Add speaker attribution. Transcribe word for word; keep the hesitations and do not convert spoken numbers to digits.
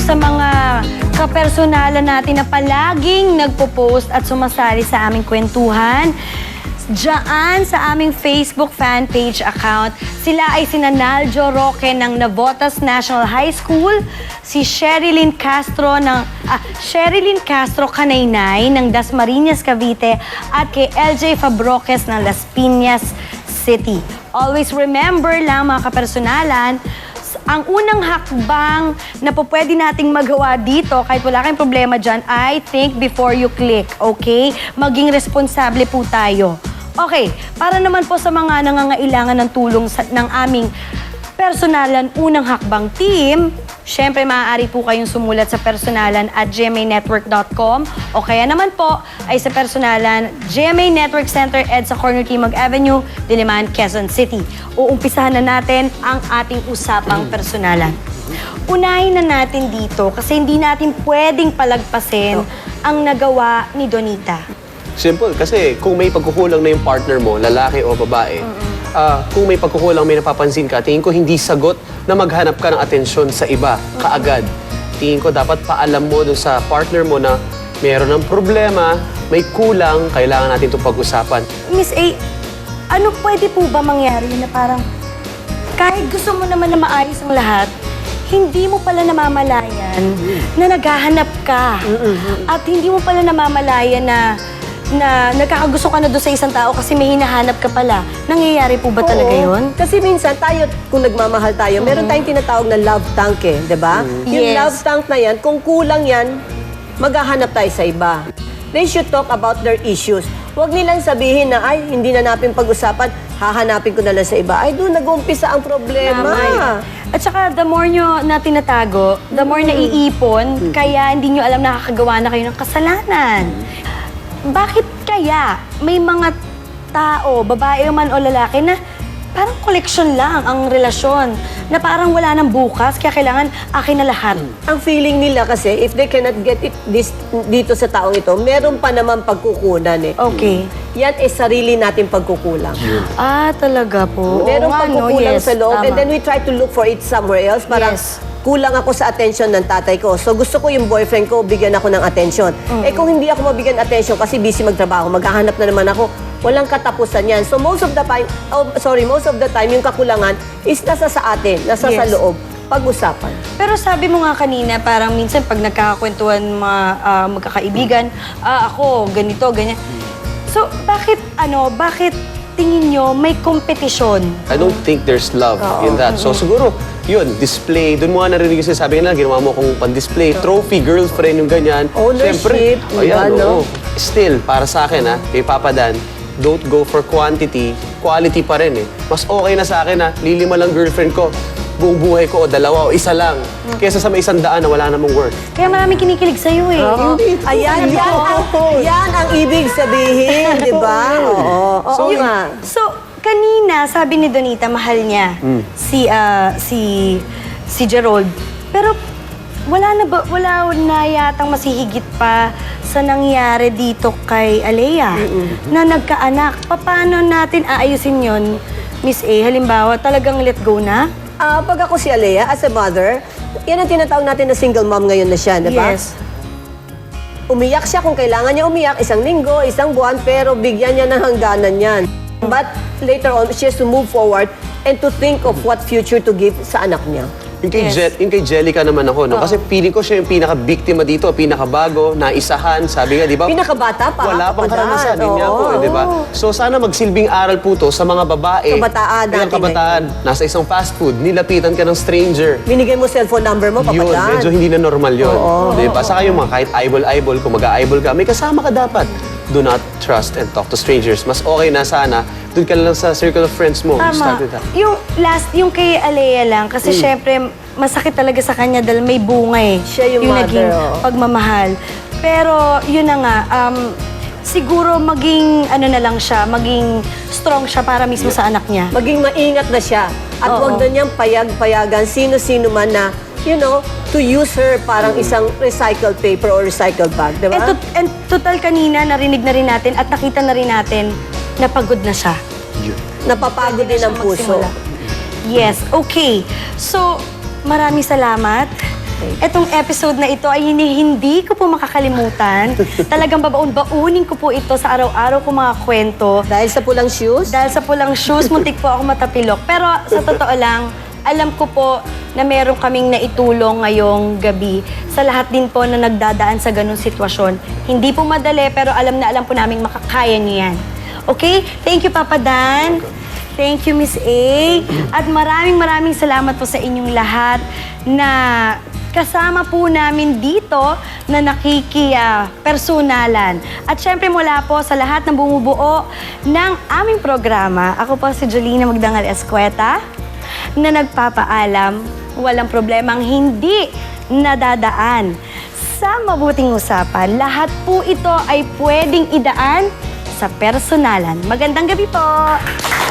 Speaker 1: sa mga kapersonalan natin na palaging nagpo-post at sumasali sa aming kwentuhan. Diyan sa aming Facebook fan page account, sila ay sina Naljo Roque ng Navotas National High School, si Sherilyn Castro ng ah, Sherilyn Castro Kanaynay ng Dasmariñas, Cavite at kay L J Fabroques ng Las Piñas City. Always remember lang mga kapersonalan, ang unang hakbang na po pwede nating magawa dito, kahit wala kayong problema dyan, ay think before you click, okay? Maging responsable po tayo. Okay, para naman po sa mga nangangailangan ng tulong sa, ng aming personalan unang hakbang team, syempre maaari po kayong sumulat sa personalan at g m a network dot com o kaya naman po ay sa personalan G M A Network Center EDSA Corner Timog Avenue, Diliman, Quezon City. Uumpisahan na natin ang ating usapang personalan. Unahin na natin dito kasi hindi natin pwedeng palagpasin ang nagawa ni Donita.
Speaker 2: Simple, kasi kung may pagkukulang na yung partner mo, lalaki o babae, mm-hmm. uh, kung may pagkukulang, may napapansin ka, tingin ko hindi sagot na maghanap ka ng atensyon sa iba mm-hmm. kaagad. Tingin ko dapat paalam mo dun sa partner mo na mayroon ng problema, may kulang, kailangan natin itong pag-usapan.
Speaker 1: Miss A, ano pwede po ba mangyari na parang kahit gusto mo naman na maayos ang lahat, hindi mo pala namamalayan mm-hmm. na naghahanap ka mm-hmm. at hindi mo pala namamalayan na na nagkakagusto ka na doon sa isang tao kasi may hinahanap ka pala. Nangyayari po ba
Speaker 3: Oo,
Speaker 1: talaga yun?
Speaker 3: Kasi minsan tayo, kung nagmamahal tayo, mm-hmm. meron tayong tinatawag na love tank eh, di ba? Mm-hmm. Yung
Speaker 1: Yes.
Speaker 3: love tank na yan, kung kulang yan, maghahanap tayo sa iba. They should talk about their issues. Huwag nilang sabihin na, ay, hindi na natin pag-usapan, hahanapin ko na lang sa iba. Ay, doon nag-uumpisa ang problema.
Speaker 1: Tama. At saka, the more nyo na tinatago, the more mm-hmm. naiipon, mm-hmm. kaya hindi nyo alam nakakagawa na kayo ng kasalanan. Bakit kaya may mga tao, babae man o lalaki, na parang collection lang ang relasyon, na parang wala nang bukas, kaya kailangan akin na lahat?
Speaker 3: Ang feeling nila kasi, if they cannot get it this, dito sa taong ito, meron pa naman pagkukunan eh.
Speaker 1: Okay.
Speaker 3: Yan ay sarili nating pagkukulang.
Speaker 1: Ah, talaga po.
Speaker 3: Meron
Speaker 1: Oo nga, no?
Speaker 3: pagkukulang
Speaker 1: Yes,
Speaker 3: sa loob,
Speaker 1: tama.
Speaker 3: and then we try to look for it somewhere else. Parang
Speaker 1: Yes.
Speaker 3: kulang ako sa attention ng tatay ko. So gusto ko yung boyfriend ko, bigyan ako ng attention.
Speaker 1: Mm-hmm.
Speaker 3: Eh kung hindi ako mabigyan attention kasi busy magtrabaho, maghahanap na naman ako, walang katapusan yan. So most of the time, oh, sorry, most of the time, yung kakulangan is nasa sa atin, nasa
Speaker 1: Yes.
Speaker 3: sa loob. Pag-usapan.
Speaker 1: Pero sabi mo nga kanina, parang minsan pag nagkakakwentuhan mga ah, magkakaibigan, ah, ako, ganito, ganyan. So, bakit, ano, bakit tingin nyo may kompetisyon?
Speaker 2: I don't think there's love in that. So siguro, yun, display. Doon mo nga narinig yung sinasabi nila, ginawa mo akong pan-display. Trophy, girlfriend, yung ganyan.
Speaker 3: Ownership,
Speaker 2: Siyempre, ayan,
Speaker 3: diba, no?
Speaker 2: oo. Still, para sa akin, ha, kay Papa Dan, don't go for quantity, quality pa rin eh. Mas okay na sa akin, ha, lilima lang girlfriend ko, buong buhay ko, o dalawa, o isa lang. Kesa sa may isang daan na wala namang work.
Speaker 1: Kaya maraming kinikilig sa'yo eh.
Speaker 3: Hindi. Ayan, yan, ang, yan ang ibig sabihin, di ba? Oo. Oo
Speaker 1: So,
Speaker 3: nga.
Speaker 1: so, kanina, sabi ni Donita, mahal niya si, ah, si, si Gerald. Pero wala na ba, wala na yatang masihigit pa sa nangyari dito kay Alea na nagkaanak. Paano natin aayusin yon, Miss A? Halimbawa, talagang let go na?
Speaker 3: Ah, pag ako si Alea, as a mother, yan ang tinatawag natin na single mom ngayon na siya, di ba?
Speaker 1: Yes.
Speaker 3: Umiyak siya kung kailangan niya umiyak, isang linggo, isang buwan, pero bigyan niya ng hangganan yan. But later on, she has to move forward and to think of what future to give sa anak niya.
Speaker 2: Yung kay,
Speaker 1: Yes.
Speaker 2: Je- yung kay Jellica naman ako, no? Kasi feeling ko siya yung pinaka-biktima dito, pinakabago, naisahan, sabi nga, di ba?
Speaker 3: Pinakabata pa.
Speaker 2: Wala pang
Speaker 3: kapadan.
Speaker 2: karanasan, yun nga po,
Speaker 3: Oo.
Speaker 2: eh, di ba? So sana magsilbing aral po to sa mga babae.
Speaker 3: Kabataan
Speaker 2: Kailang
Speaker 3: natin,
Speaker 2: kabataan, nasa isang fast food, nilapitan ka ng stranger.
Speaker 3: Binigay mo cellphone number mo,
Speaker 2: Yun,
Speaker 3: papadan.
Speaker 2: medyo hindi na normal yun.
Speaker 3: Oo.
Speaker 2: Di ba? Saka yung mga kahit eyeball-eyeball, kung mag-eyeball ka, may kasama ka dapat. Do not trust and talk to strangers. Mas okay na sana, doon ka lang sa circle of friends mo. Start
Speaker 1: Tama.
Speaker 2: with that.
Speaker 1: Yung last, yung kay Alea lang, kasi syempre, masakit talaga sa kanya dahil may bunga eh.
Speaker 3: Siya yung mother,
Speaker 1: naging
Speaker 3: oh.
Speaker 1: pagmamahal. Pero, yun na nga, um, siguro maging, ano na lang siya, maging strong siya para mismo sa anak niya.
Speaker 3: Maging maingat na siya. At
Speaker 1: Oo.
Speaker 3: huwag na niyang payag-payagan sino-sino man na, you know, to use her parang isang recycled paper or recycled bag, di ba?
Speaker 1: And, tot- and total kanina, narinig na rin natin at nakita na rin natin na pagod na siya.
Speaker 3: Napapagod din ang puso.
Speaker 1: Magsimula. Yes, okay. So, maraming salamat. Etong episode na ito ay hindi, hindi ko po makakalimutan. Talagang babaon-baunin ko po ito sa araw-araw ko mga kwento.
Speaker 3: Dahil sa pulang shoes?
Speaker 1: Dahil sa pulang shoes, muntik po ako matapilok. Pero sa totoo lang, alam ko po na meron kaming naitulong ngayong gabi sa lahat din po na nagdadaan sa ganung sitwasyon. Hindi po madali, pero alam na alam po namin makakaya niyo yan. Okay? Thank you, Papa Dan. Thank you, Miss A. At maraming maraming salamat po sa inyong lahat na kasama po namin dito na nakiki-personalan. At syempre mula po sa lahat ng bumubuo ng aming programa, ako po si Jolina Magdangal Escueta na nagpapaalam, walang problemang hindi nadadaan sa mabuting usapan. Lahat po ito ay pwedeng idaan sa personalan. Magandang gabi po!